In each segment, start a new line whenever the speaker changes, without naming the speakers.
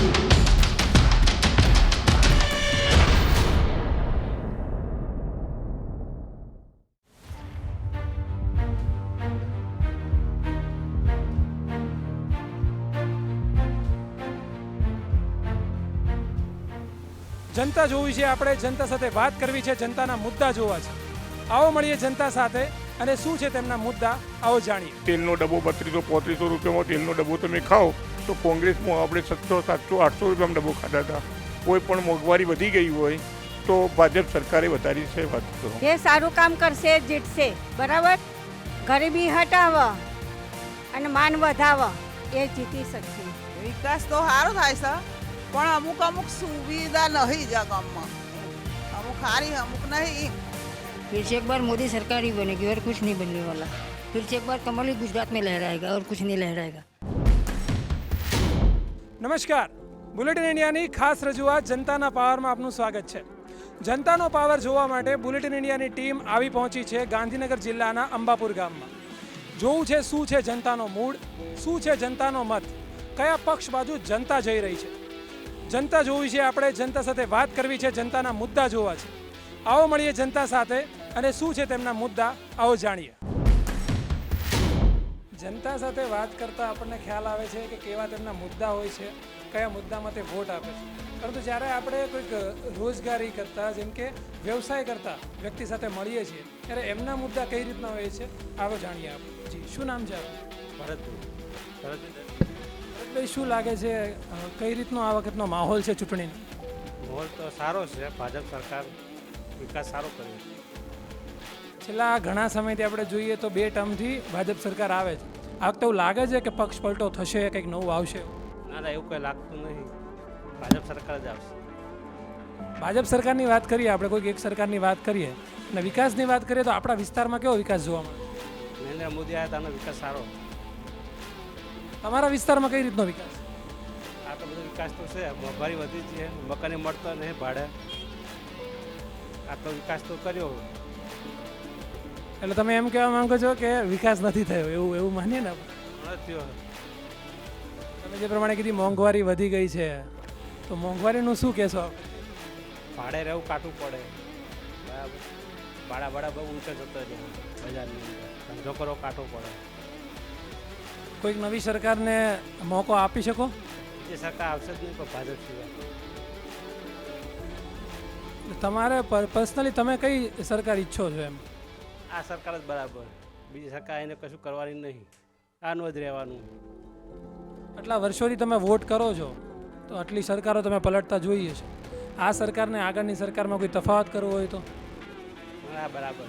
જનતા જોવી છે, આપણે જનતા સાથે વાત કરવી છે, જનતાના મુદ્દા જોવા છે. આવો મળીએ જનતા સાથે અને શું છે તેમના મુદ્દા, આવો જાણીએ.
તેલનો ડબ્બો 3200-3500 રૂપિયામાં તેલનો ડબ્બો તમે ખાઓ તો કોંગ્રેસમાં આપણે 700, 700, 800 રૂપિયામાં ડબ્બો ખાતા હતા. કોઈ પણ મોંઘવારી વધી ગઈ હોય તો ભાજપ સરકારે વધારી છે. વાત કરો,
જે સારું કામ કરશે જીતશે, બરાબર. ગરીબી હટાવવા અને માન વધાવવા, એ જીતી શકશે.
વિકાસ તો સારો થાય છે, પણ અમુક સુવિધા નહીં જ ગામમાં. અમુક સારી, અમુક નહીં.
फिर से एक बार मोदी सरकार ही बनेगी और कुछ नहीं बनने वाला. फिर से एक बार कमल ही गुजरात में लहराएगा और कुछ नहीं लहराएगा.
નમસ્કાર, બુલેટિન ઇન્ડિયાની ખાસ રજૂઆત જનતાના પાવરમાં આપનું સ્વાગત છે. જનતાનો પાવર જોવા માટે બુલેટિન ઇન્ડિયાની ટીમ આવી પહોંચી છે ગાંધીનગર જિલ્લાના અંબાપુર ગામમાં. જોવું છે શું છે જનતાનો મૂડ, શું છે જનતાનો મત, કયા પક્ષ બાજુ જનતા જઈ રહી છે. જનતા જોવી છે, આપણે જનતા સાથે વાત કરવી છે, જનતાના મુદ્દા જોવા છે. આવો મળીએ જનતા સાથે અને શું છે તેમના મુદ્દા, આવો જાણીએ. જનતા સાથે વાત કરતા આપણને ખ્યાલ આવે છે કે કેવા તેમના મુદ્દા હોય છે, કયા મુદ્દામાં તે વોટ આપે છે. પરંતુ જ્યારે આપણે કોઈક રોજગારી કરતા, જેમ કે વ્યવસાય કરતા વ્યક્તિ સાથે મળીએ છીએ ત્યારે એમના મુદ્દા કઈ રીતના હોય છે, આવો જાણીએ આપણે. જી, શું નામ છે આપનું? ભરતભાઈ, શું લાગે છે કઈ રીતનો આ વખતનો માહોલ છે ચૂંટણીનો?
માહોલ તો સારો છે. ભાજપ સરકાર વિકાસ સારો કર્યો.
છેલ્લા ઘણા સમયથી આપણે જોઈએ તો 2 ટર્મથી ભાજપ સરકાર આવે છે. આ વખતે એવું લાગે છે કે પક્ષ પલટો થશે, કંઈક નવું આવશે?
ના એવું કંઈ લાગતું નહીં. ભાજપ સરકાર જ આવશે.
ભાજપ સરકારની વાત કરીએ આપણે, કોઈક એક સરકારની વાત કરીએ અને વિકાસની વાત કરીએ તો આપણા વિસ્તારમાં કેવો વિકાસ જોવા મળે?
નરેન્દ્ર મોદી આવ્યા તાનો વિકાસ સારો.
તમારા વિસ્તારમાં કઈ રીતનો વિકાસ?
આ તો બધો વિકાસ તો છે. મોંઘવારી વધી છે, મકાને મળતો નહીં ભાડે. આ તો વિકાસ તો કર્યો.
એટલે તમે એમ કહેવા માંગો છો કે વિકાસ નથી થયો, એવું માનીએ ને?
થયો.
તમે જે પ્રમાણે કીધી મોંઘવારી વધી ગઈ છે, તો મોંઘવારીનું શું કહેશો?
ભાડે રહેવું કાઢવું પડે. બરાબર. ભાડા બહુ ઊંચા જતો રહે બજારની અંદર. ધંધો કરવો કાઢવો પડે.
કોઈક નવી સરકારને મોકો આપી શકો?
જે સરકાર આવશે જ નહીં પણ ભાજપ સિવાય.
તમારે પર્સનલી તમે કઈ સરકાર ઈચ્છો છો? એમ
આ સરકાર જ બરાબર. બીજી સરકાર એને કશું કરવાની નહીં. આનું જ રહેવાનું.
આટલા વર્ષોથી તમે વોટ કરો છો તો આટલી સરકારો તમે પલટતા જોઈએ છે. આ સરકારને આગળની સરકારમાં કોઈ તફાવત કરવો હોય તો?
આ બરાબર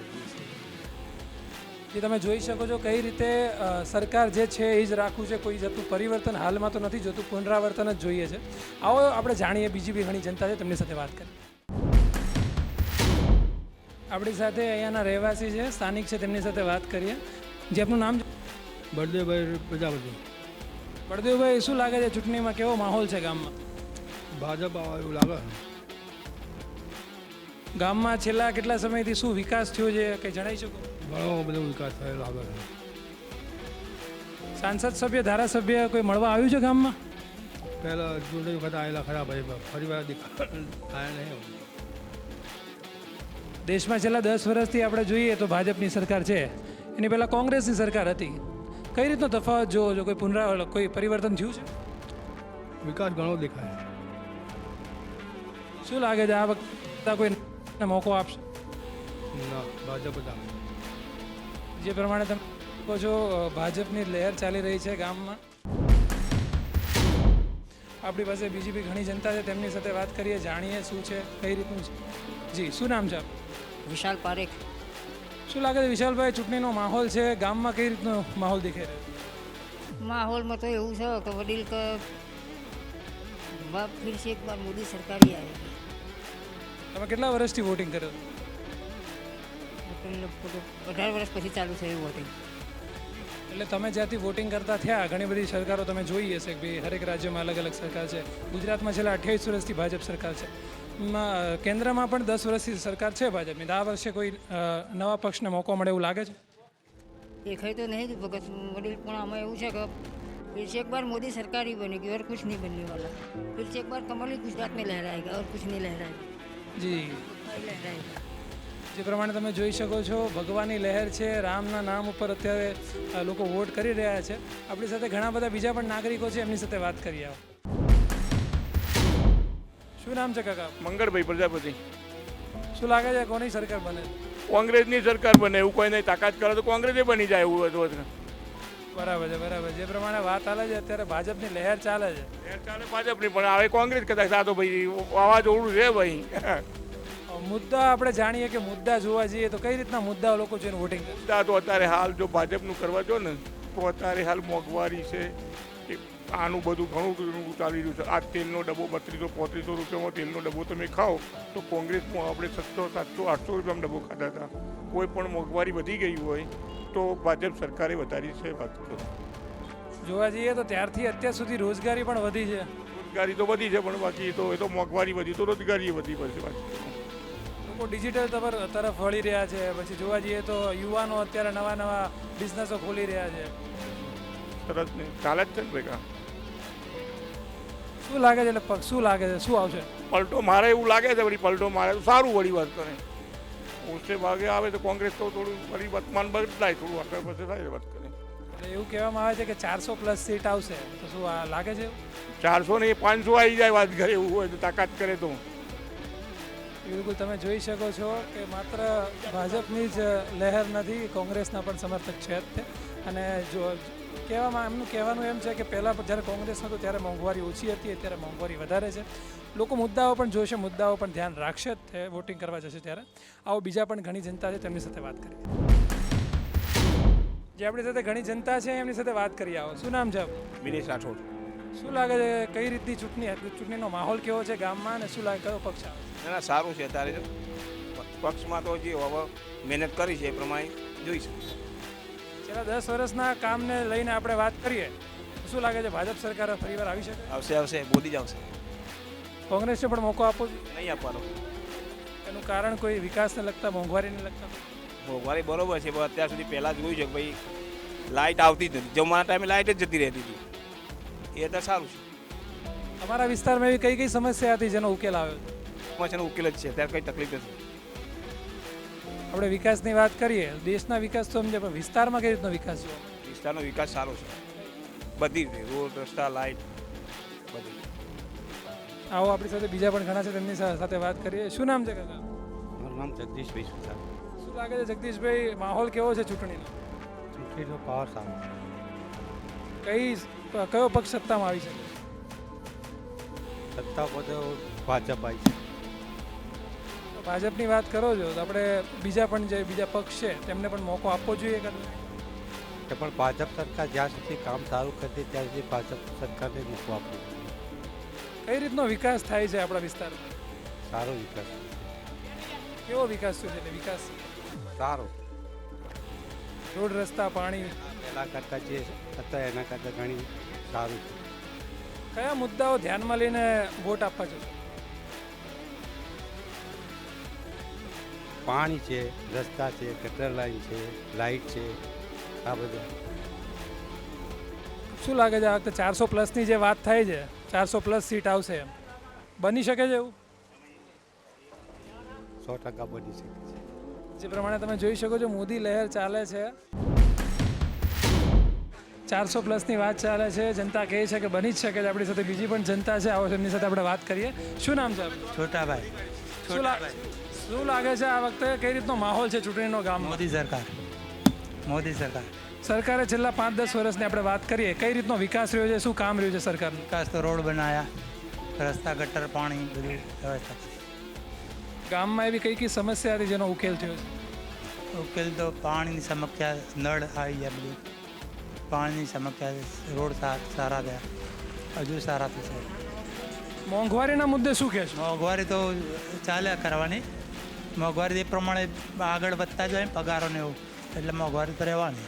જે તમે જોઈ શકો છો કઈ રીતે સરકાર જે છે એ જ રાખવું છે, કોઈ જતું પરિવર્તન હાલમાં તો નથી જોતું, પુનરાવર્તન જ જોઈએ છે. આવો આપણે જાણીએ, બીજી બી ઘણી જનતા છે તેમની સાથે વાત કરીએ. આપણી સાથે અહીંયાના રહેવાસી છે, સ્થાનિક છે, તેમની સાથે વાત કરીએ. જે આપનું નામ છે?
બળદેવભાઈ પ્રજાપતિ.
બળદેવભાઈ, શું લાગે છે ચૂંટણીમાં કેવો માહોલ છે ગામમાં?
ભાજપ આવે એવું લાગે.
ગામમાં છેલ્લા કેટલા સમયથી શું વિકાસ થયો છે કંઈ જણાવી શકો?
ઘણો બધો વિકાસ થયેલો લાગે છે.
સાંસદ સભ્ય, ધારાસભ્ય કોઈ મળવા આવ્યું છે ગામમાં?
પહેલાં ચૂંટણી વખત આવેલા ખરા ભાઈ, ફરી વાર થાય નહીં.
દેશમાં છેલ્લા 10 વર્ષથી આપણે જોઈએ તો ભાજપની સરકાર છે, એની પહેલાં કોંગ્રેસની સરકાર હતી. કઈ રીતનો તફાવત જોવો છો? કોઈ પરિવર્તન થયું છે?
વિકાસ ઘણો દેખાય.
શું લાગે છે આ વખતે કોઈ મોકો આપશે?
ના, ભાજપ જ આવે.
જે પ્રમાણે તમે કહો છો ભાજપની લહેર ચાલી રહી છે ગામમાં. આપણી પાસે બીજી બી ઘણી જનતા છે, તેમની સાથે વાત કરીએ, જાણીએ શું છે, કઈ રીતનું છે. જી, શું નામ છે આપનું?
વિશાલ પારેખ.
શું લાગે છે વિશાલભાઈ, ચૂંટણીનો માહોલ છે ગામમાં, કઈ રીતનો માહોલ દેખાઈ રહ્યો?
माहौल में तो એવું છે કે વડીલ કે फिर से एक बार मोदी सरकार ही आएगी.
તમે કેટલા વર્ષથી વોટિંગ કર્યો?
18 વર્ષ પછી ચાલુ થયું વોટિંગ.
એટલે તમે જ્યાંથી વોટિંગ કરતા થયા, ઘણી બધી સરકારો તમે જોઈ હશે કે ભાઈ હરેક રાજ્યમાં અલગ અલગ સરકાર છે. ગુજરાતમાં છેલ્લા 28 વર્ષથી ભાજપ સરકાર છે. કેન્દ્રમાં પણ 10 વર્ષથી સરકાર છે ભાજપની. આ વર્ષે કોઈ નવા પક્ષને મોકો મળે એવું લાગે છે?
દેખાય તો નહીં ભગત વડીલ, પણ આમાં એવું છે કે फिर से एक बार मोदी सरकार ही बनेगी और कुछ नहीं बनने वाला। फिर से एक बार कमल ही गुजरात में लहराएगा और कुछ नहीं लहराएगा।
જી
लहराएगा।
જે પ્રમાણે તમે જોઈ શકો છો ભગવાનની લહેર છે, રામના નામ ઉપર અત્યારે લોકો વોટ કરી રહ્યા છે. આપણી સાથે ઘણા બધા બીજા પણ નાગરિકો છે, એમની સાથે વાત કરીએ. આવો. શું નામ છે કાકા?
મંગળભાઈ પ્રજાપતિ.
શું લાગે છે કોની સરકાર બને?
કોંગ્રેસની સરકાર બને એવું કોઈ નહીં, તાકાત કરે તો કોંગ્રેસે બની જાય એવું હતું.
બરાબર છે, બરાબર. જે પ્રમાણે વાત ચાલે છે અત્યારે ભાજપની લહેર ચાલે છે.
ચાલે ભાજપની, પણ હવે કોંગ્રેસ કદાચ આ તો ભાઈ વાવાઝોડું છે ભાઈ.
મુદ્દા આપણે જાણીએ કે મુદ્દા જોવા જઈએ તો કઈ રીતના મુદ્દાઓ લોકો જોઈને વોટિંગ કરે?
મુદ્દા તો અત્યારે હાલ જો ભાજપનું કરવા જો ને તો અત્યારે હાલ મોંઘવારી છે કે આનું બધું ઘણું ચાલી રહ્યું છે. આ તેલનો ડબ્બો 3200-3500 રૂપિયામાં તેલનો ડબ્બો તમે ખાઓ તો કોંગ્રેસમાં આપણે 600-700-800 રૂપિયામાં ડબ્બો ખાતા હતા. કોઈ પણ મોંઘવારી વધી ગઈ હોય તો ભાજપ સરકારે વધારી છે. વાત તો
જોવા જઈએ તો ત્યારથી અત્યાર સુધી રોજગારી પણ વધી છે.
રોજગારી તો વધી છે પણ બાકી તો એ તો મોંઘવારી વધી તો રોજગારી વધી પડશે. વાત
લોકો ડિજિટલ તરફ વળી રહ્યા છે. પછી જોવા જઈએ તો યુવાનો અત્યારે નવા નવા બિઝનેસો ખોલી રહ્યા છે.
સરસ ને ચાલે જ છે ને ભેગા.
શું લાગે છે એટલે શું લાગે છે શું આવશે?
પલટો મારે એવું લાગે છે વળી પલટો મારે તો સારું વળી વાત કરે. ઓછે ભાગે આવે તો કોંગ્રેસ તો થોડું વળી વર્તમાન બદલાય, થોડું આગળ પછી થાય વાત કરે.
એટલે એવું કહેવામાં આવે છે કે 400+ સીટ આવશે, તો શું આ લાગે છે?
400 ને 500 આવી જાય વાત કરે એવું હોય તો તાકાત કરે તો.
બિલકુલ તમે જોઈ શકો છો કે માત્ર ભાજપની જ લહેર નથી, કોંગ્રેસના પણ સમર્થક છે જ તે. અને જો એમનું કહેવાનું એમ છે કે પહેલાં જ્યારે કોંગ્રેસ હતું ત્યારે મોંઘવારી ઓછી હતી, અત્યારે મોંઘવારી વધારે છે. લોકો મુદ્દાઓ પણ જોશે, મુદ્દાઓ પણ ધ્યાન રાખશે જ તે વોટિંગ કરવા જશે ત્યારે. આવો બીજા પણ ઘણી જનતા છે તેમની સાથે વાત કરીએ. જે આપણી સાથે ઘણી જનતા છે એમની સાથે વાત કરીએ. આવો. શું નામ છે?
વિનેશ રાઠોડ.
શું લાગે છે કઈ રીતની ચૂંટણીનો માહોલ કેવો છે ગામમાં, અને શું લાગે કયો પક્ષ આવે?
ના સારું છે. અત્યારે પક્ષમાં તો જે હવે મહેનત કરી છે એ પ્રમાણે જોઈશું.
છેલ્લા 10 વર્ષના કામને લઈને આપણે વાત કરીએ તો શું લાગે છે ભાજપ સરકાર ફરીવાર આવી શકે?
આવશે મોદી જ આવશે.
કોંગ્રેસને પણ મોકો આપવો જોઈએ?
નહીં આપવાનો.
એનું કારણ કોઈ વિકાસને લગતા, મોંઘવારીને લગતા?
મોંઘવારી બરોબર છે પણ અત્યાર સુધી પહેલાં જોયું છે કે ભાઈ લાઇટ આવતી જ નથી, જમવાના ટાઈમે લાઇટ જ જતી રહેતી હતી. એ અત્યારે સારું છે.
તમારા વિસ્તારમાં એવી કઈ કઈ સમસ્યા હતી જેનો ઉકેલ આવ્યો?
સમસ્યાનો ઉકેલ જ છે, અત્યારે કંઈ તકલીફ નથી.
આપણે વિકાસની વાત કરીએ, દેશના વિકાસ તો સમજે, પણ વિસ્તારમાં કઈ રીતનો વિકાસ જોવા?
વિસ્તારનો વિકાસ સારો છે બધી રીતે, રોડ રસ્તા લાઇટ બધી.
આવો આપણી સાથે બીજા પણ ઘણા છે, તેમની સાથે વાત કરીએ. શું નામ છે કાકા?
મારું નામ જગદીશભાઈ સુથાર.
શું લાગે છે જગદીશભાઈ, માહોલ કેવો છે ચૂંટણીનો?
ચૂંટણીનો પાવર સારો
કયો પક્ષ સત્તામાં આવી શકે?
સત્તા બધો ભાજપ આવી છે.
ભાજપની વાત કરો છો તો આપણે બીજા પણ જે બીજા પક્ષ છે તેમને પણ મોકો આપવો જોઈએ કે
પણ ભાજપ સરકાર જ્યાં સુધી કામ સારું કરતી ત્યાં સુધી ભાજપ સરકારને મૂકવું આપવું.
કઈ રીતનો વિકાસ થાય છે આપણા વિસ્તારમાં?
સારો વિકાસ.
કેવો વિકાસ થયો છે? એટલે વિકાસ
સારો.
રોડ રસ્તા પાણી
પહેલાં કરતાં જે હતા એના કરતાં ઘણી સારું છે.
કયા મુદ્દાઓ ધ્યાનમાં લઈને વોટ આપવા છો?
પાણી છે, રસ્તા છે, ગટર લાઈન છે, લાઇટ છે, આ બધા.
શું લાગે છે આ વખતે 400+ની જે વાત થાય છે, 400+ સીટ આવશે, બની શકે છે એવું?
100% બની શકે છે.
જે પ્રમાણે તમે જોઈ શકો છો મોદી લહેર ચાલે છે, 400+ની વાત ચાલે છે. જનતા કહે છે કે બની જ શકે છે. આપણી સાથે બીજી પણ જનતા છે, આવો એમની સાથે આપણે વાત કરીએ. શું નામ છે?
છોટાભાઈ.
શું લાગે છે આ વખતે કઈ રીતનો માહોલ છે ચૂંટણીનો ગામમાં?
મોદી સરકાર.
સરકારે છેલ્લા 5-10 વર્ષની આપણે વાત કરીએ, કઈ રીતનો વિકાસ રહ્યો છે, શું કામ રહ્યું છે સરકારનું?
વિકાસ તો રોડ બનાવ્યા, રસ્તા ગટર પાણી બધી વ્યવસ્થા.
ગામમાં એવી કઈ કઈ સમસ્યા હતી જેનો ઉકેલ થયો છે?
ઉકેલ તો પાણીની સમસ્યા, નળ આવી ગયા બધું, પાણીની સમસ્યા, રોડ સારા થયા, હજુ સારા થશે.
મોંઘવારીના મુદ્દે શું કહેશો?
મોંઘવારી તો ચાલ્યા કરવાની. મોંઘવારી એ પ્રમાણે આગળ વધતા જાય ને પગારો ને એવું, એટલે મોંઘવારી તો રહેવાની.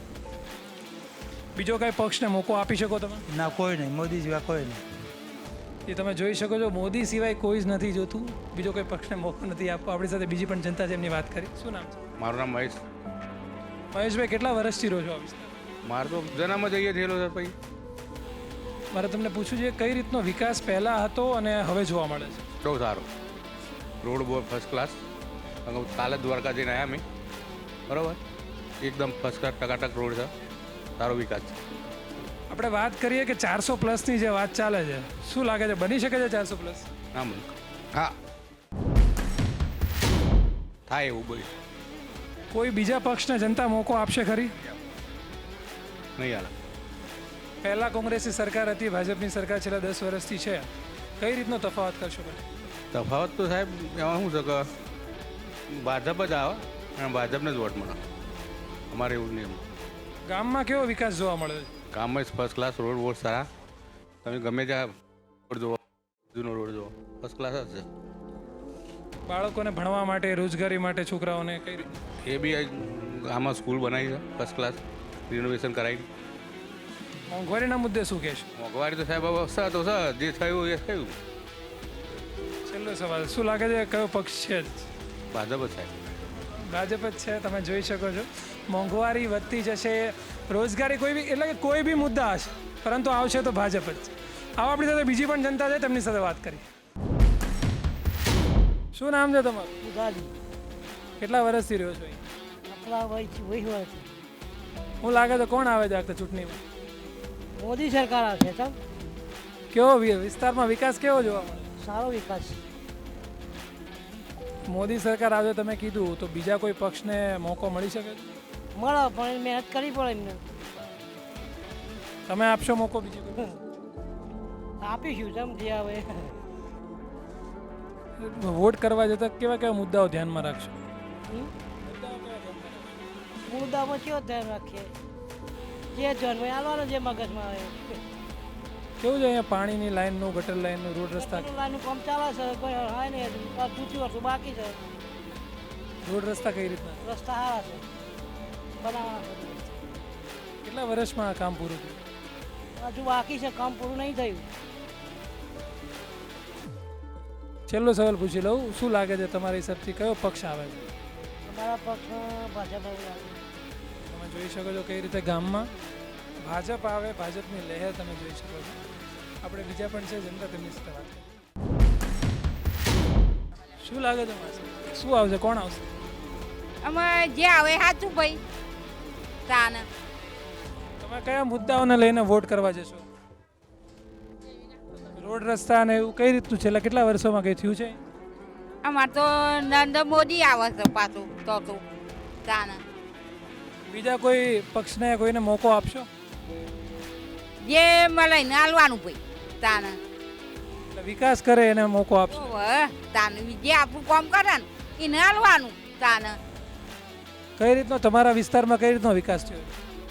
બીજો કઈ પક્ષને મોકો આપી શકો તમે?
ના, કોઈ નહીં. મોદી સિવાય કોઈ નહીં.
એ તમે જોઈ શકો છો, મોદી સિવાય કોઈ જ નથી જોતું, બીજો કોઈ પક્ષને મોકો નથી આપવો. આપણી સાથે બીજી પણ જનતા છે, એમની વાત કરી. શું નામ છે?
મારું નામ
મહેશભાઈ, કેટલા વર્ષથી રહો છો આ વિસ્તાર?
મારે તો જન્મ જ અહીંયા થયેલો છે ભાઈ.
મારે તમને પૂછવું છે કઈ રીતનો વિકાસ પહેલાં હતો અને હવે જોવા મળે છે?
બહુ સારો રોડ બહુ ફર્સ્ટ ક્લાસ. કાલે જ દ્વારકા જઈને આવ્યા અમે, બરાબર, એકદમ ફર્સ્ટ ક્લાસ ટકાટક રોડ છે, સારો વિકાસ છે.
આપણે વાત કરીએ કે 400+ ની જે વાત ચાલે છે, શું લાગે છે બની શકે છે 400+?
ના મને હા થાય એવું બોલ
કોઈ બીજા પક્ષને જનતા મોકો આપશે ખરી?
નહીં હાલ.
પહેલાં કોંગ્રેસની સરકાર હતી, ભાજપની સરકાર છેલ્લા 10 વર્ષથી છે, કઈ રીતનો તફાવત કરશો તમે?
તફાવત તો સાહેબ એમાં શું છે કે ભાજપ જ આવે અને ભાજપને જ વોટ મળે. અમારે એવું નહીં.
ગામમાં કેવો વિકાસ જોવા મળે છે?
ગામમાં ફર્સ્ટ ક્લાસ રોડ વોટ સારા. તમે ગમે ત્યાં રોડ જુઓ, જૂનો રોડ જુઓ, ફર્સ્ટ ક્લાસ જ છે.
બાળકોને ભણવા માટે, રોજગારી માટે છોકરાઓને કઈ રીતે?
એ બી આમાં સ્કૂલ બનાવી છે ફર્સ્ટ ક્લાસ, રિનોવેશન કરાવી.
મોંઘવારીના મુદ્દે શું કહેશો?
મોંઘવારી તો સાહેબ હવે સર તો સર જે થયું એ થયું.
છેલ્લો સવાલ, શું લાગે છે કયો પક્ષ છે?
ભાજપ જ સાહેબ.
ભાજપ જ છે. તમે જોઈ શકો છો મોંઘવારી વધતી જશે, રોજગારી કોઈ બી એટલે કે કોઈ બી મુદ્દા હશે, પરંતુ આવશે તો ભાજપ જ છે. આવો આપણી સાથે બીજી પણ જનતા છે, તેમની સાથે વાત કરી. શું નામ છે તમારું? કેટલા વર્ષથી રહ્યો છો અહીં? શું લાગે છે કોણ આવે છે આ વખતે ચૂંટણીમાં?
મોદી સરકાર આવશે તો
કેવો વિસ્તારમાં વિકાસ કેવો જોવા મળે?
સારો વિકાસ
મોદી સરકાર આવે તમે કીધું, તો બીજા કોઈ પક્ષને મોકો મળી શકે છે?
મળે પણ મહેનત કરવી પડે એમને.
તમે આપશો મોકો બીજી કોઈ?
આપીશું તમે જે આવે.
વોટ કરવા જતા કેવા કેવા મુદ્દાઓ ધ્યાનમાં રાખશો?
મુદ્દામાં કેવો ધ્યાન રાખીએ, જે જન્મ આવવાનો જે મગજમાં આવે.
કેવું છે અહીંયા પાણીની લાઈનનું, ગટર લાઈનનું, રોડ રસ્તા
લાઈનનું કામ ચાલે છે, કોઈ હા ને પૂછ્યું હતું બાકી છે.
રોડ રસ્તા કઈ રીતના?
રસ્તા સારા છે, બનાવવાના છે.
કેટલા વર્ષમાં આ કામ પૂરું થયું?
હજુ બાકી છે, કામ પૂરું નહીં થયું.
છેલ્લો સવાલ પૂછી લઉં, શું લાગે છે તમારા હિસાબથી કયો પક્ષ આવે છે?
અમારા પક્ષમાં ભાજપ આવે.
તમે જોઈ શકો છો કઈ રીતે ગામમાં ભાજપ આવે, ભાજપની લહેર તમે જોઈ શકો છો. આપણે બીજા પણ છે જનતા, તેમની સાથે વાત કરીએ. શું લાગે છે માસી, શું આવશે, કોણ આવશે?
અમે જે આવે સાચું ભાઈ તાને.
તમે કયા મુદ્દાઓને લઈને વોટ કરવા જશો? રોડ રસ્તા ને એવું કઈ રીતનું છેલ્લા કેટલા વર્ષોમાં કંઈ થયું છે?
અમારે તો નરેન્દ્ર મોદી આવે છે પાછું તો તાને.
બીજા કોઈ પક્ષને કોઈને મોકો આપશો?
જે મળે ને હાલવાનું ભાઈ તાને.
એટલે વિકાસ કરે એને મોકો આપશો?
તાને જે આપણું કામ કરે ને એને હાલવાનું તાને.
કઈ રીતનો તમારા વિસ્તારમાં કઈ રીતનો વિકાસ થયો?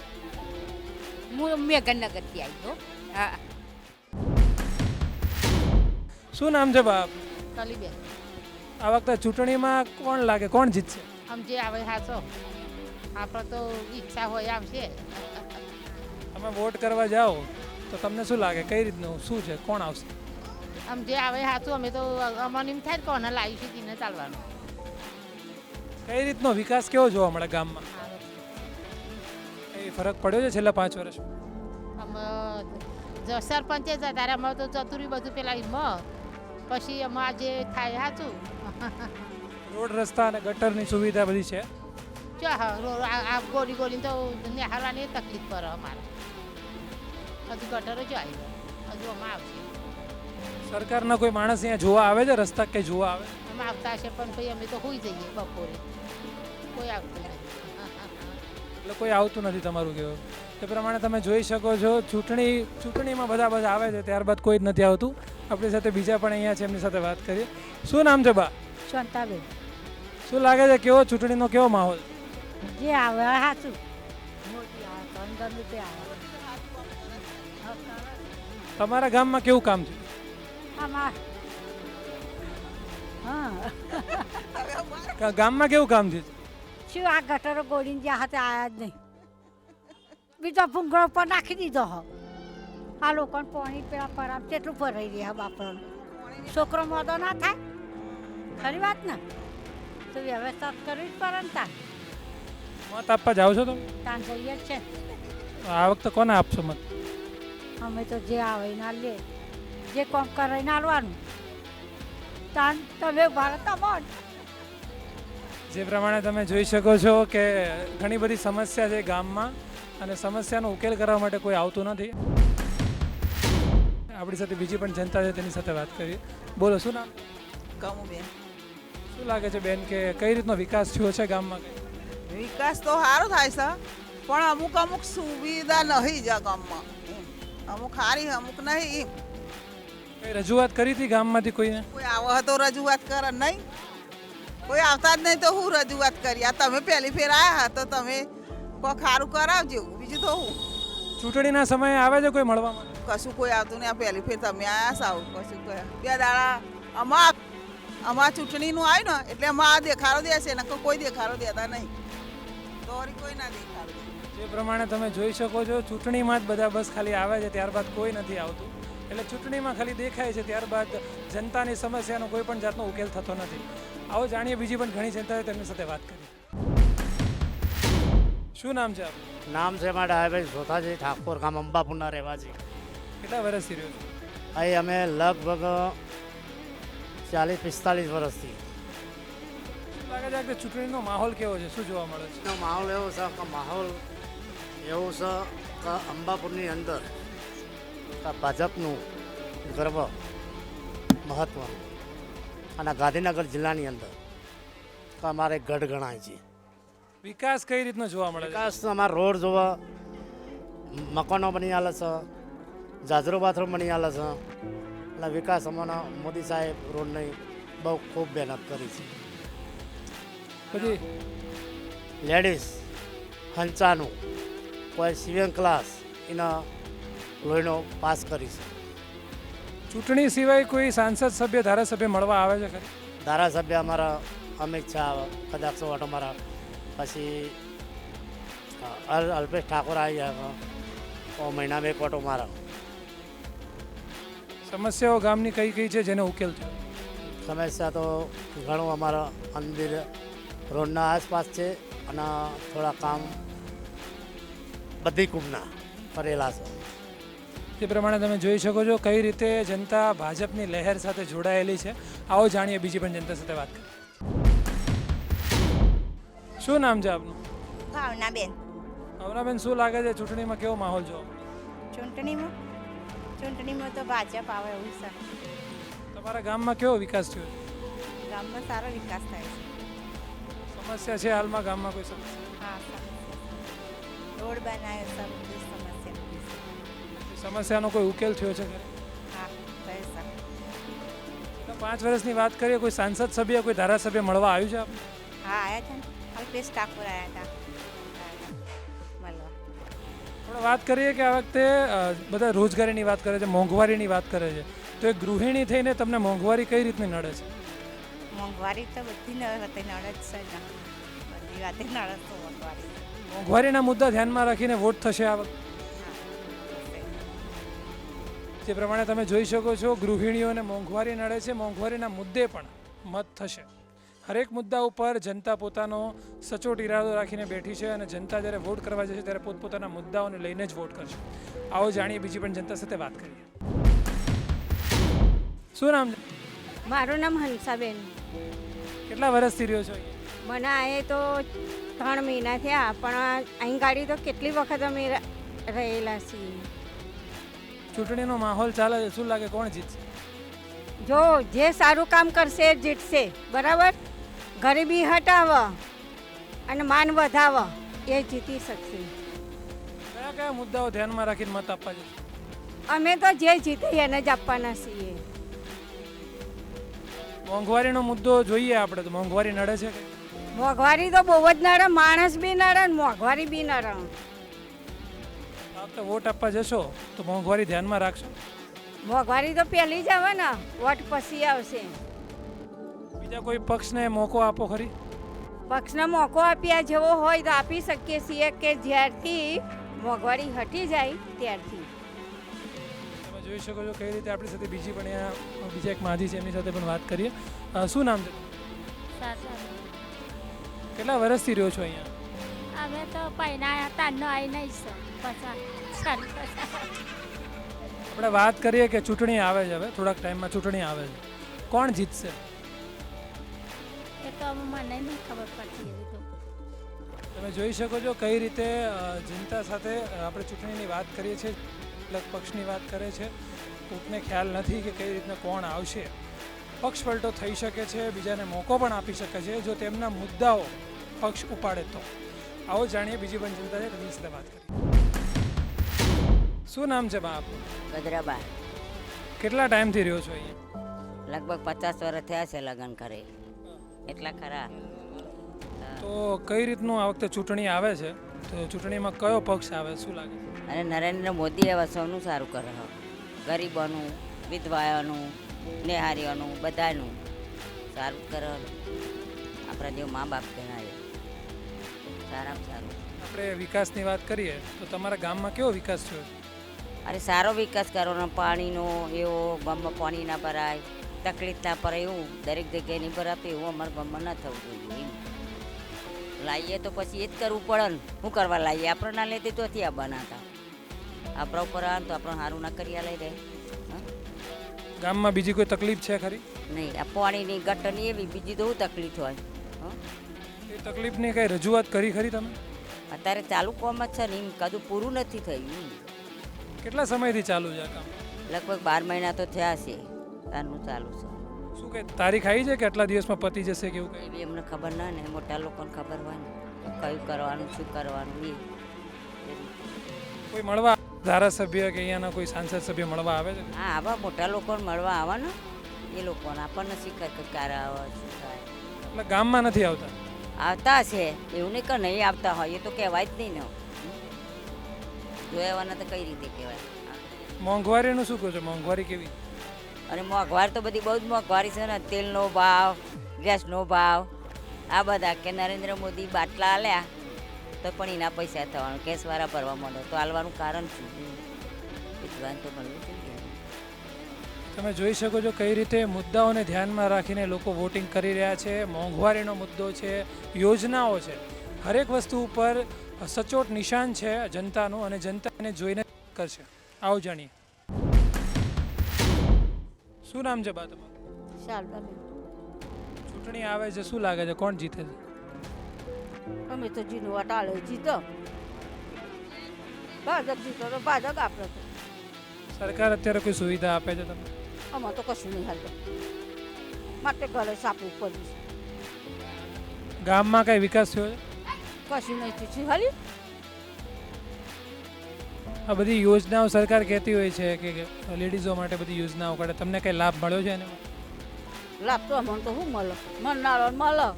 હું મેઘનગરથી આવી છું. હા.
શું નામ છે બાપ?
કલીબેન
આ વખતે ચૂંટણીમાં કોણ લાગે, કોણ જીતશે?
આમ જે આવે સાચો, આપણે તો ઈચ્છા હોય આવશે.
તમે વોટ કરવા જાઓ તો તમને શું લાગે કઈ રીતનું શું છે, કોણ આવશે?
આમ જે આવે સાચું, અમે તો અમને એમ થાય કોને લાવીશું તેને ચાલવાનું.
કઈ રીતનો વિકાસ કેવો જોવા મળે ગામમાં? એ ફરક પડ્યો છે છેલ્લા 5 વર્ષમાં?
અમે સરપંચે જતા ત્યારે અમે તો ચતુરી બધું પેલા એમાં, પછી અમારે જે થાય સાચું.
રોડ રસ્તા અને ગટરની સુવિધા બધી છે?
જો હા આ ગોળી ગોળીને તો નિહાળવાની તકલીફ પડે અમારે. હજુ ગટરો જો આવી હજુ અમે આવશે.
સરકારના કોઈ માણસ અહીંયા જોવા આવે છે, રસ્તા કંઈ જોવા આવે?
અમે આવતા હશે પણ ભાઈ અમે તો હોઈ જઈએ બપોરે, કોઈ આવતું નથી.
એટલે કોઈ આવતું નથી તમારું કહેવું? તે પ્રમાણે તમે જોઈ શકો છો ચૂંટણીમાં બધા આવે છે, ત્યારબાદ કોઈ જ નથી આવતું. આપણી સાથે બીજા પણ અહીંયા છે, એમની સાથે વાત કરીએ. શું નામ છે બા?
શાંતાબેન.
શું લાગે છે કેવો ચૂંટણીનો કેવો માહોલ?
જે આવે સાચું. મોદી આવે તો અંદર તે આવે.
તમારા ગામમાં કેવું કામ છે?
આમાં હા
ગામમાં કેવું કામ છે?
શું આ ગટરો ગોળીને જ્યાં હાથે આવ્યા જ નહીં. બીજો ભૂંગળો ઉપર નાખી દીધો હો. આ લોકોને પાણી પેલા પરામ કેટલું ભરાઈ રહ્યા બાપરાનું. છોકરો મોદો ના થાય, ખરી વાત ને? તો વ્યવસ્થા કરવી જ પડે ને તાર.
મત આપવા જાઓ છો તમે?
તાન જઈએ જ છે.
આ વખતે કોને આપશો મત?
અમે તો જે આવે ના લે જે કોમ કરાવીને આવવાનું તાન તમે ભારત તમાર
જે પ્રમાણે તમે જોઈ શકો છો કે ઘણી બધી સમસ્યા છે ગામમાં અને સમસ્યાનો ઉકેલ કરવા માટે કોઈ આવતું નથી. આપણી સાથે બીજી પણ જનતા છે તેની સાથે વાત કરીએ. બોલો, શું નામ?
કમુબેન.
શું લાગે છે બેન કે કઈ રીતનો વિકાસ થયો છે ગામમાં?
વિકાસ તો સારો થાય છે પણ અમુક અમુક સુવિધા નહીં જ ગામમાં એમ. અમુક સારી અમુક નહીં એમ.
કઈ રજૂઆત કરી હતી ગામમાંથી કોઈને?
કોઈ આવો તો રજૂઆત કરે નહીં, કોઈ આવતા જ નહીં તો હું રજૂઆત કરી. આ તમે પહેલી ફેર આવ્યા તો તમે કોઈ સારું કરાવજો, બીજું તો હું.
ચૂંટણીના સમયે આવે છે કોઈ મળવા માટે?
કશું કોઈ આવતું નહીં. આ પહેલી ફેર તમે આવ્યા સાવ કશું કોઈ 2 દાડા અમાર ચૂંટણીનું આવ્યું ને એટલે અમાર આ દેખાડો દેશે ને કોઈ દેખાડો દેતા નહીં તો વળી કોઈ ના દેખાડો દે.
જે પ્રમાણે તમે જોઈ શકો છો ચૂંટણીમાં જ બધા બસ ખાલી આવે છે, ત્યારબાદ કોઈ નથી આવતું. એટલે ચૂંટણીમાં ખાલી દેખાય છે, ત્યારબાદ જનતાની સમસ્યાનો કોઈ પણ જાતનો ઉકેલ થતો નથી. આવો જાણીએ બીજી પણ ઘણી જનતા તેમની સાથે વાત કરીએ. શું નામ છે આપનું?
નામ છે મારા ડાયાભાઈ સોથાજી ઠાકોર, ગામ અંબાપુરના રહેવાસી.
કેટલા વર્ષથી રહ્યો છો
અહીં? અમે લગભગ 40-45 વર્ષથી.
શું લાગે છે કે ચૂંટણીનો માહોલ કેવો છે? શું જોવા મળે છે?
માહોલ એવો છે કે અંબાપુરની અંદર ભાજપનું ગર્વ મહત્વનું અને ગાંધીનગર જિલ્લાની અંદર અમારે ગઢ ગણાય છે.
વિકાસ કઈ રીતનો જોવા મળે છે?
વિકાસ અમારા રોડ જોવા, મકાનો બની આલે છે, જાજરો બાથરૂમ બની આલે છે અને વિકાસ અમારા મોદી સાહેબ રોડની બહુ ખૂબ મહેનત કરી છે.
પછી
લેડીઝ હંચાનું કોઈ સિવિંગ ક્લાસ એના લોહીનો પાસ કરી છે.
ચૂંટણી સિવાય કોઈ સાંસદ સભ્ય ધારાસભ્ય મળવા આવે છે ખરી?
ધારાસભ્ય અમારા અમિત શાહ કદાચ ઓટો મારા, પછી અલ્પેશ ઠાકોર આવી જાય મહિના 2 ઓટો મારા.
સમસ્યાઓ ગામની કઈ કઈ છે જેનો ઉકેલ થયો?
સમસ્યા તો ઘણું અમારા મંદિર રોડના આસપાસ છે અને થોડા કામ બધી કુંભના કરેલા છે.
જે પ્રમાણે તમે જોઈ શકો છો કઈ રીતે જનતા ભાજપની લહેર સાથે જોડાયેલી છે. આવો જાણીએ બીજી પણ જનતા સાથે વાત કરીએ. શું નામ છે આપનું?
ભાવનાબેન.
ભાવનાબેન, શું લાગે છે ચૂંટણીમાં કેવો માહોલ જોવા મળે?
ચૂંટણીમાં તો ભાજપ આવે એવું છે.
તમારા ગામમાં કેવો વિકાસ થયો?
ગામમાં સારો વિકાસ થાય છે.
સમસ્યા છે હાલમાં ગામમાં કોઈ સમસ્યા?
હા, રોડ બનાવ્યો છે, બધી સમસ્યા.
સમસ્યાનો કોઈ ઉકેલ થયો છે ખરે?
હા, થઈ શકે.
5 વર્ષની વાત કરીએ, કોઈ સાંસદ સભ્ય કોઈ ધારાસભ્ય મળવા આવ્યું છે આપણે?
હા, આવ્યા છે ને. અલ્પેશ ઠાકોર આવ્યા હતા મળવા.
આપણે વાત કરીએ કે આ વખતે બધા રોજગારીની વાત કરે છે, મોંઘવારીની વાત કરે છે, તો એક ગૃહિણી થઈને તમને મોંઘવારી કઈ રીતની નડે છે?
મોંઘવારી તો બધી નડે જ છે ને, બધી વાતે નડે તો મોંઘવારી.
મોંઘવારીના મુદ્દા ધ્યાનમાં રાખીને વોટ થશે આ વખતે? જે પ્રમાણે તમે જોઈ શકો છો ગૃહિણીઓને મોંઘવારી નડે છે, મોંઘવારીના મુદ્દે પણ મત થશે. હરેક મુદ્દા ઉપર જનતા પોતાનો સચોટ ઇરાદો રાખીને બેઠી છે અને જનતા જ્યારે વોટ કરવા જશે ત્યારે પોતપોતાના મુદ્દાઓને લઈને જ વોટ કરશે. આવો જાણીએ બીજી પણ જનતા સાથે વાત કરીએ. શું નામ છે?
મારું નામ હંસાબેન.
કેટલા વર્ષથી રહ્યો છો?
મને આ તો 3 મહિના થયા, પણ અહીં ગાડી તો કેટલી વખત અમે રહેલા છીએ.
ચૂંટણીનો માહોલ ચાલે છે, શું લાગે કોણ જીતશે?
જો જે સારું કામ કરશે એ જીતશે, બરાબર. ગરીબી હટાવ અને માન વધાવ એ જીતી શકશે.
કયા કયા મુદ્દાઓ ધ્યાનમાં રાખીને મત આપવા જશે?
અમે તો જે જીતે એને જ આપવાના છીએ.
મોંઘવારીનો મુદ્દો જોઈએ આપણે તો મોંઘવારી નડે છે કે?
મોંઘવારી તો બહુ જ નડે, માણસ બી નડે ને મોંઘવારી બી નડે.
આ વખતે વોટ આપવા જશો તો મોંઘવારી ધ્યાનમાં રાખશો?
મોંઘવારી તો પહેલી જ આવે ને, વોટ પછી આવશે.
બીજા કોઈ પક્ષને મોકો આપો ખરી?
પક્ષને મોકો આપ્યા જેવો હોય તો આપી શકીએ છીએ કે જ્યારથી મોંઘવારી હટી જાય ત્યારથી.
તમે જોઈ શકો છો કઈ રીતે આપણી સાથે બીજી પણ અહીંયા બીજા એક માજી છે એમની સાથે પણ વાત કરીએ. શું નામ છે? કેટલા વર્ષથી રહ્યો છો અહીંયા?
અમે તો પહેલા તારનો આવી નહીં
આપણે વાત કરીએ કે ચૂંટણી આવે છે, હવે થોડાક ટાઈમમાં ચૂંટણી આવે છે, કોણ જીતશે?
એ તો મને નહીં ખબર પડતી એવી તો.
તમે જોઈ શકો છો કઈ રીતે જનતા સાથે આપણે ચૂંટણીની વાત કરીએ છીએ, અલગ પક્ષની વાત કરે છે, કોઈને ખ્યાલ નથી કે કઈ રીતના કોણ આવશે. પક્ષ પલટો થઈ શકે છે, બીજાને મોકો પણ આપી શકે છે જો તેમના મુદ્દાઓ પક્ષ ઉપાડે તો. આવો જાણીએ બીજી પણ જનતા છે તેમની સાથે વાત કરીએ. શું નામ છે બા આપનું?
ગજરાબા.
કેટલા ટાઈમથી રહ્યો છો અહીંયા?
લગભગ 50 વર્ષ થયા છે લગ્ન કરે એટલા ખરા.
તો કઈ રીતનું આ વખતે ચૂંટણી આવે છે, તો ચૂંટણીમાં કયો પક્ષ આવે શું લાગે?
અને નરેન્દ્ર મોદી હવે સૌનું સારું કરે છે, ગરીબોનું, વિધવાઓનું, નેહારીઓનું, બધાનું સારું કરે. આપણા જેવું મા બાપ કહેવાય સારામાં સારું.
આપણે વિકાસની વાત કરીએ તો તમારા ગામમાં કેવો વિકાસ થયો?
અરે સારો વિકાસ કરવાનો, પાણીનો એવો ગામમાં પાણી ના ભરાય, તકલીફ ના પડે એવું દરેક જગ્યાએ નહીં ભરાતું એવું અમારા ગામમાં ન થવું જોઈએ. એમ લાવીએ તો પછી એ જ કરવું પડે ને, શું કરવા લાવીએ? આપણે ના લેતી તો આ બનાતા આપણા ઉપર આવે તો આપણે સારું ના કરી લઈ દે.
ગામમાં બીજી કોઈ તકલીફ છે ખરી?
નહીં, આ પાણીની ગટરની એવી બીજી તો શું તકલીફ હોય?
એ તકલીફની કઈ રજૂઆત કરી ખરી તમે?
અત્યારે ચાલુ કોમ જ છે ને, એમ કદું પૂરું નથી થયું.
કેટલા સમયથી ચાલુ છે આ કામ?
લગભગ 12 મહિના તો થયા છે તારનું ચાલુ છે.
શું કે તારીખ આવી છે કે આટલા દિવસમાં પતી જશે કે એવું કંઈ?
એવી એમને ખબર ના ને, મોટા લોકોને ખબર હોય ને કયું કરવાનું શું કરવાનું એ.
કોઈ મળવા ધારાસભ્ય કે અહીંયાના કોઈ સાંસદ સભ્ય મળવા આવે છે?
હા, આવા મોટા લોકોને મળવા આવવાના એ લોકોને આપણને શીખર કે ક્યારે આવે શું થાય.
એટલે ગામમાં નથી આવતા?
આવતા છે એવું નહીં કે નહીં આવતા હોય, એ તો કહેવાય જ નહીં ને. જોયાવાના તો કઈ રીતે કહેવાય.
મોંઘવારીનું શું કહો છો? મોંઘવારી કેવી?
અને મોંઘવારી તો બધી બહુ જ મોંઘવારી છે ને. તેલનો ભાવ, ગેસનો ભાવ, આ બધા કે નરેન્દ્ર મોદી બાટલા આલ્યા તો પણ એના પૈસા થવાનું, ગેસવાળા ભરવા માંડો તો આલવાનું કારણ શું? વિદ્વાન તો મળવું જોઈએ.
તમે જોઈ શકો છો કઈ રીતે મુદ્દાઓને ધ્યાનમાં રાખીને લોકો વોટિંગ કરી રહ્યા છે. મોંઘવારીનો મુદ્દો છે, યોજનાઓ છે, હરેક વસ્તુ ઉપર સચોટ નિશાન છે જનતાનું અને જનતા એને જોઈને કરશે. આવો જાણીએ. શું નામ છે બા તમારું?
શારદાબેન.
ચૂંટણી આવે છે, શું લાગે છે કોણ જીતે છે?
અમે તો જીનો વટાળે જીતો, ભાજપ જીતો તો ભાજપ આપણે તો.
સરકાર અત્યારે કોઈ સુવિધા આપે છે તમને?
આમાં તો કશું નહીં હાલતું, માટે ઘરે સાપવું પડ્યું છે.
ગામમાં કઈ વિકાસ થયો છે?
કશું નહીં થયું હાલી.
આ બધી યોજનાઓ સરકાર કહેતી હોય છે કે લેડીઝો માટે બધી યોજનાઓ કાઢે, તમને કઈ લાભ મળ્યો છે એના?
લાભ તો અમને તો શું મળે? મળનારો મળે.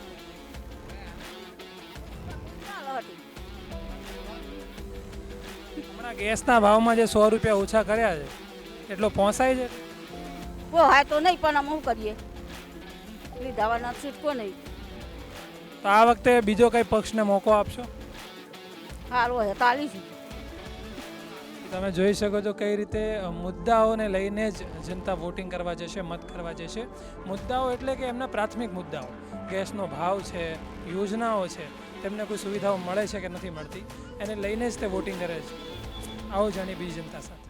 હમણાં ગેસના ભાવમાં જે 100 રૂપિયા ઓછા કર્યા છે એટલો પહોંચાય છે?
પોહાય તો નહીં, પણ અમે શું કરીએ, લીધાવાના છૂટકો નહીં.
તો આ વખતે બીજો કઈ પક્ષને મોકો આપશો?
સારું હોય તાલીશું.
તમે જોઈ શકો છો કઈ રીતે મુદ્દાઓને લઈને જ જનતા વોટિંગ કરવા જશે, મત કરવા જશે. મુદ્દાઓ એટલે કે એમના પ્રાથમિક મુદ્દાઓ, ગેસનો ભાવ છે, યોજનાઓ છે, તેમને કોઈ સુવિધાઓ મળે છે કે નથી મળતી, એને લઈને જ તે વોટિંગ કરે છે. આવો જાણીએ બીજી જનતા સાથે.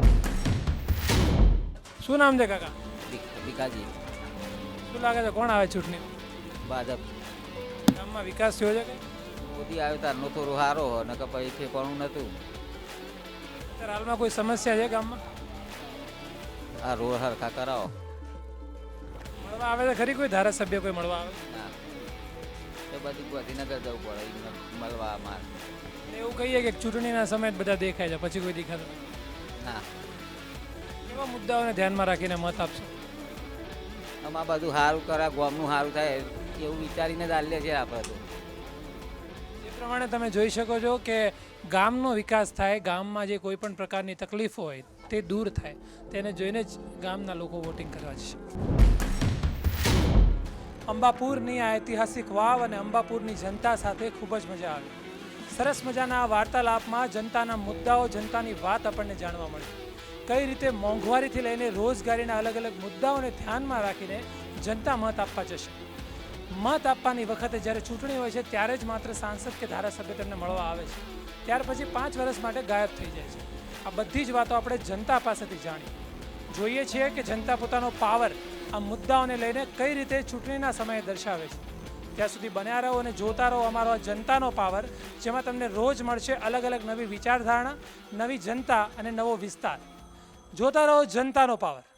શું નામ છે કાકા?
ભીખાજી.
શું લાગે છે કોણ આવે ચૂંટણી?
ભાજપ.
ગામમાં વિકાસ થયો છે કે?
મોદી આવ્યો તારનો થોડો સારો ને કે પછી ઠેકાણું નહોતું.
અત્યારે હાલમાં કોઈ સમસ્યા છે ગામમાં?
આ રોડ હરખા કરાવો.
મળવા આવે છે ખરી કોઈ ધારાસભ્ય કોઈ મળવા આવે?
ના, એ બધું ગાંધીનગર જવું પડે એમને મળવા અમારે.
એવું કહીએ કે ચૂંટણીના સમયે જ બધા દેખાય છે, પછી કોઈ દેખાતું નથી?
ના.
કેવા મુદ્દાઓને ધ્યાનમાં રાખીને મત આપશો?
આમાં બધું સારું કરે, ગામનું સારું થાય એવું વિચારીને જ આલીએ છીએ આપણે તો.
જે પ્રમાણે તમે જોઈ શકો છો કે ગામનો વિકાસ થાય, ગામમાં જે કોઈ પણ પ્રકારની તકલીફો હોય તે દૂર થાય, તેને જોઈને જ ગામના લોકો વોટિંગ કરવા જશે. અંબાપુરની આ ઐતિહાસિક વાવ અને અંબાપુરની જનતા સાથે ખૂબ જ મજા આવી. સરસ મજાના આ વાર્તાલાપમાં જનતાના મુદ્દાઓ, જનતાની વાત આપણને જાણવા મળી. કઈ રીતે મોંઘવારીથી લઈને રોજગારીના અલગ અલગ મુદ્દાઓને ધ્યાનમાં રાખીને જનતા મત આપવા જશે. મત આપવાની વખતે જ્યારે ચૂંટણી હોય છે ત્યારે જ માત્ર સાંસદ કે ધારાસભ્ય તેમને મળવા આવે છે, ત્યાર પછી 5 વર્ષ માટે ગાયબ થઈ જાય છે. આ બધી જ વાતો આપણે જનતા પાસેથી જાણી. જોઈએ છીએ કે જનતા પોતાનો પાવર આ મુદ્દાઓને લઈને કઈ રીતે ચૂંટણીના સમયે દર્શાવે છે. ત્યાં સુધી બન્યા રહો અને જોતા રહો અમારો આ જનતાનો પાવર, જેમાં તમને રોજ મળશે અલગ અલગ નવી વિચારધારણા, નવી જનતા અને નવો વિસ્તાર. જોતા રહો જનતાનો પાવર.